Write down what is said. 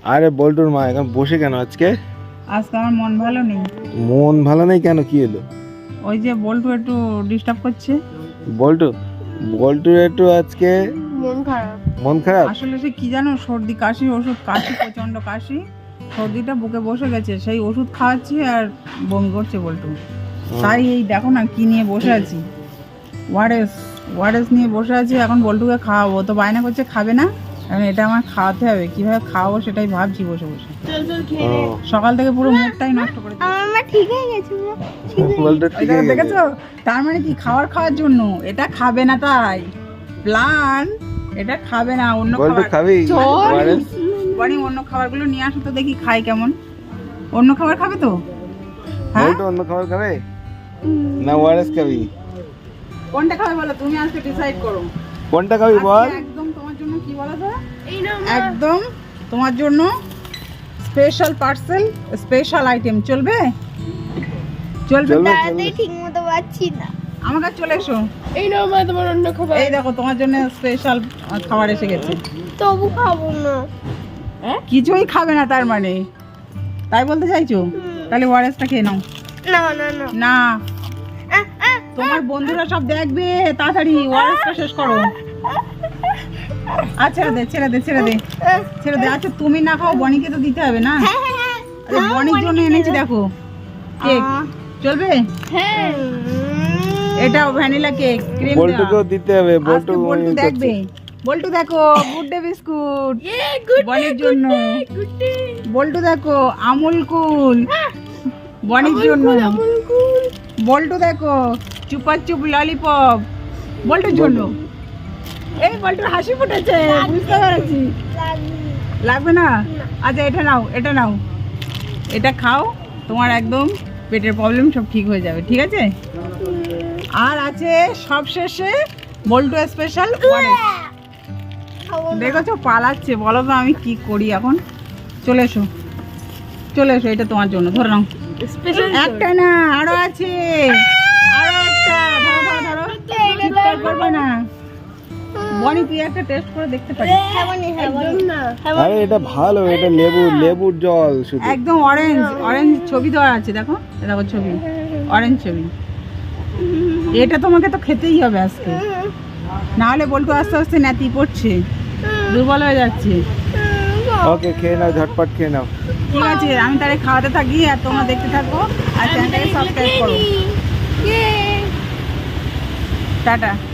আরে বল্টুর মা এখন বসে কেন আজকে? আজকে আমার মন ভালো নেই। মন ভালো নেই কেন, কি হলো? ওই যে বল্টু একটু ডিস্টার্ব করছে। বল্টুর একটু আজকে মন খারাপ। আসলে সে কি জানো, সর্দি কাশি ওষুধ কাশি, প্রচন্ড কাশি, সর্দিটা বুকে বসে গেছে, সেই ওষুধ খাওয়াচ্ছি আর বমি করছে বল্টু। তাই এই দেখো না কি নিয়ে বসে আছি, ওয়ারেস নিয়ে বসে আছি। এখন বল্টুকে খাওয়াবো, তো বায়না করছে খাবে না, এখন এটা আমার খাওয়াতে হবে। কিভাবে খাওয়াবো সেটাই ভাবছি বসে বসে। সকাল থেকে পুরো মুডটাই নষ্ট করে দেখেছো? তার মানে কি, খাওয়ার জন্য এটা খাবে না, তাই প্ল্যান এটা খাবে না। অন্য অন্য খাবারগুলো নিয়ে আসো তো দেখি খাই কেমন। অন্য খাবার খাবে তো? হ্যাঁ, অন্য খাবার খাবে না ওয়ারেস খাবি? কোনটা খাবে বলো, তুমি আজকে ডিসাইড করো কোনটা খাবি বল। একদম তোমার জন্য, কি বলো তো, একদম তোমার জন্য স্পেশাল পার্সেল, স্পেশাল আইটেম। চলবে? ঠিক মতো পাচ্ছি না। আমার কাছে চলে এসো। এই নাও মা তোমার অন্য খাবার। এই দেখো তোমার জন্য স্পেশাল খাবার এসে গেছে। তবু খাবো না। কিছুই খাবে না তার মানে, তাই বলতে চাইছো? তাহলে ওয়ারেসটা খেয়ে নাও। না না না না, তোমার বন্ধুরা সব দেখবে, তাড়াতাড়ি ওয়ারেসটা শেষ করো। আচ্ছা ছেড়ে দে। আচ্ছা তুমি না খাও, বনিকে তো দিতে হবে না। আরে বনির জন্য এনেছি দেখো কেক, চলবে? হ্যাঁ, এটা ভ্যানিলা কেক, ক্রিম বল্টুকেও দিতে হবে। বল্টু দেখবে, বল্টু দেখো গুড ডে বিস্কুট বনির জন্য। বল্টু দেখো আমুল কুল বনির জন্য। বল্টু দেখো চুপা চুপ ললিপপ বল্টুর জন্য। এই বল্টুর হাসি ফুটেছে, বুঝতে পেরেছি। লাগবে না? আচ্ছা এটা নাও, এটা খাও, তোমার একদম পেটের প্রবলেম সব ঠিক হয়ে যাবে, ঠিক আছে? আর আছে সবশেষে বল্টু স্পেশাল ওয়ারেস। দেখেছো পালাচ্ছে, বলো তো আমি কি করি এখন। চলে এসো, এটা তোমার জন্য, ধরে নাও। একটা না, আরো আছে, আরো একটা। ধরো চিৎকার করবে না। বনি তুই একটা টেস্ট করে দেখতে পারি। আরে এটা ভালো, এটা লেবুর জল শুধু। একদম অরেঞ্জ ছবি দেওয়া আছে, দেখো ছবি, অরেঞ্জ ছবি। এটা তোমাকে তো খেতেই হবে আজকে, না হলে বলতো আস্তে আস্তে ন্যাতি পড়ছে, দুর্বল হয়ে যাচ্ছে। ওকে খেয়ে নাও, ঝটপট খেয়ে নাও। ঠিক আছে, আমি তাহলে খাওয়াতে থাকি আর তোমরা দেখতে থাকো আর চ্যানেলটাকে সাবস্ক্রাইব করো। টাটা।